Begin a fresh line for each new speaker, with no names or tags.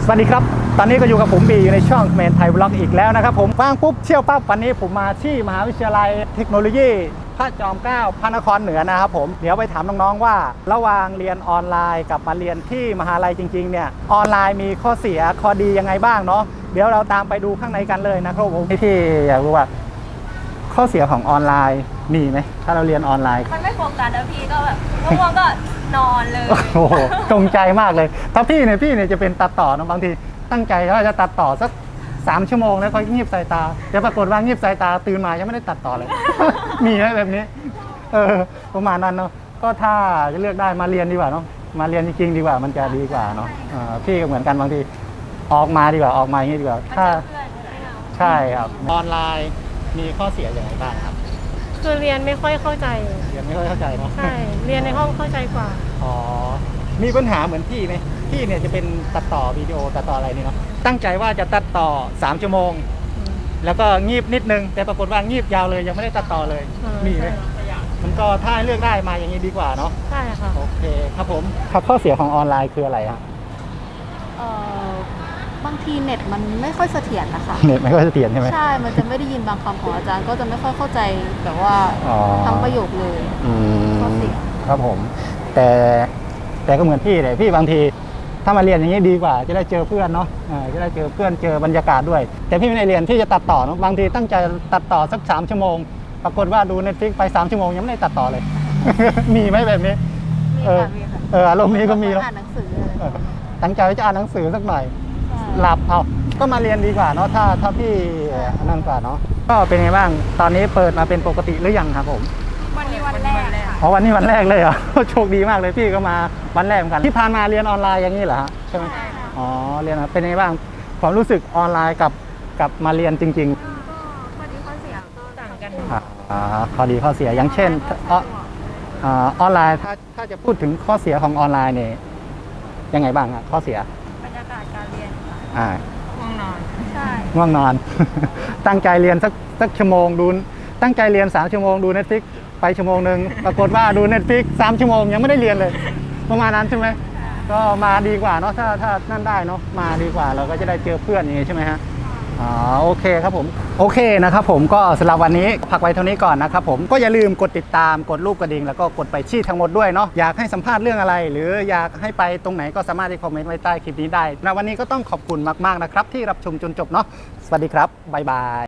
สวัสดีครับตอนนี้ก็อยู่กับผมบีอยู่ในช่องเมนไทยบล็อกอีกแล้วนะครับผมว่างปุ๊บเชี่ยวปั๊บวันนี้ผมมาที่มหาวิทยาลัยเทคโนโลยีพระจอมเกล้าพระนครเหนือนะครับผมเดี๋ยวไปถามน้องๆว่าระหว่างเรียนออนไลน์กับมาเรียนที่มหาลัยจริงๆเนี่ยออนไลน์มีข้อเสียข้อดียังไงบ้างเนาะเดี๋ยวเราตามไปดูข้างในกันเลยนะครับผมที่อยากรู้ว่าข้อเสียของออนไลน์มีไหมถ้าเราเรียนออนไลน์
มันไม่โฟกัสแล้วพี่ก็แบบง่วงก็นอนเลย
โอ้โหจงใจมากเลยถ้าพี่เนี่ยจะเป็นตัดต่อนะบางทีตั้งใจว่าจะตัดต่อสัก3 ชั่วโมงแล้วค่อยงีบสายตาแต่ปรากฏว่างีบสายตาตื่นมายังไม่ได้ตัดต่อเลย มีไหมแบบนี้ประมาณนั้นเนาะก็ถ้าจะเลือกได้มาเรียนดีกว่าเนาะมาเรียนจริงๆดีกว่ามันจะดีกว่าเนาะพี่ก็เหมือนกันบางทีออกมาดีกว่าออกมาอย่างนี้ดีกว่าถ้าใช่ครับออนไลน์มีข้อเสียอย่างไรบ้างครับ
คือเรียนไม่ค่อยเข้าใจ
เรียนไม่ค่อยเข้าใจเนาะ
ใช่เรียนในห้องเข้าใจกว่า
อ๋อมีปัญหาเหมือนพี่ไหมพี่เนี่ยจะเป็นตัดต่อวิดีโอตัดต่ออะไรนี่เนาะตั้งใจว่าจะตัดต่อ3 ชั่วโมงแล้วก็งีบนิดนึงแต่ปรากฏว่างีบยาวเลยยังไม่ได้ตัดต่อเลยมีไหมมันก็ถ้าเลือกได้มาอย่างนี้ดีกว่าเนาะ
ใช่ค่ะ
โอเคครับผมครับข้อเสียของออนไลน์คืออะไรครับ
บางทีเน็ตมันไม่ค่อยเสถียรนะคะ
เน็ตไม่ค่อยเสถียรใช่ไหม
ใช่มันจะไม่ได้ยินบางคำของอาจารย์ก็จะไม่ค่อยเข้าใจแบบว่าทั้งประโยคเลยข้อเสีย
ครับผมแต่ก็เหมือนพี่เลยพี่บางทีถ้ามาเรียนอย่างนี้ดีกว่าจะได้เจอเพื่อนเนาะจะได้เจอเพื่อนเจอบรรยากาศด้วยแต่พี่ไม่ได้เรียนที่จะตัดต่อเนาะบางทีตั้งใจตัดต่อสัก3 ชั่วโมงปรากฏว่าดู Netflix ไป3 ชั่วโมงยังไม่ได้ตัดต่อเลย มีไหมแบบนี้
มีค่ะ
อารมณ์นี้ก็มีแล้ว
อ่านหนังสือ
ตั้งใจจะอ่านหนังสือสักหน่อยหลับเอาก็มาเรียนดีกว่าเนาะถ้าพี่นั่นกว่าเนาะก็เป็นไงบ้างตอนนี้เปิดมาเป็นปกติหรือยังครับผม
วันนี้วันแรกค่ะ
อ๋อวันนี้วันแรกเลยเหรอ โชคดีมากเลยพี่ก็มาวันแรกเหมือนกันที่ผ่านมาเรียนออนไลน์อย่างนี้เหรอฮะใช่ไหมอ๋อเรียนเป็นไงบ้างความรู้สึกออนไลน์กับมาเรียนจริงๆ
ข้อดีข้อเสียก็ต่างกัน
ข้อดีข้อเสียอย่างเช่นออนไลน์ถ้าจะพูดถึงข้อเสียของออนไลน์เนี่ยยังไงบ้างอะข้อเสีย
บรรยากาศการเรียน
ง่วงนอน
ใช่
ง่วงนอน ตั้งใจเรียนสักชั่วโมงดูตั้งใจเรียน3 ชั่วโมงดู Netflix ไปชั่วโมงนึงปรากฏว่าดู Netflix 3 ชั่วโมงยังไม่ได้เรียนเลยประมาณนั้นใช่ไหมก็มาดีกว่าเนาะถ้านั่นได้เนาะมาดีกว่าเราก็จะได้เจอเพื่อนอย่างงี้ใช่ไหมฮะโอเคครับผมโอเคนะครับผมก็สำหรับวันนี้พักไว้เท่านี้ก่อนนะครับผมก็อย่าลืมกดติดตามกดรูปกระดิ่งแล้วก็กดไปชี้ทั้งหมดด้วยเนาะอยากให้สัมภาษณ์เรื่องอะไรหรืออยากให้ไปตรงไหนก็สามารถที่คอมเมนต์ไว้ใต้คลิปนี้ได้ในวันนี้ก็ต้องขอบคุณมากๆนะครับที่รับชมจนจบเนาะสวัสดีครับบ๊ายบาย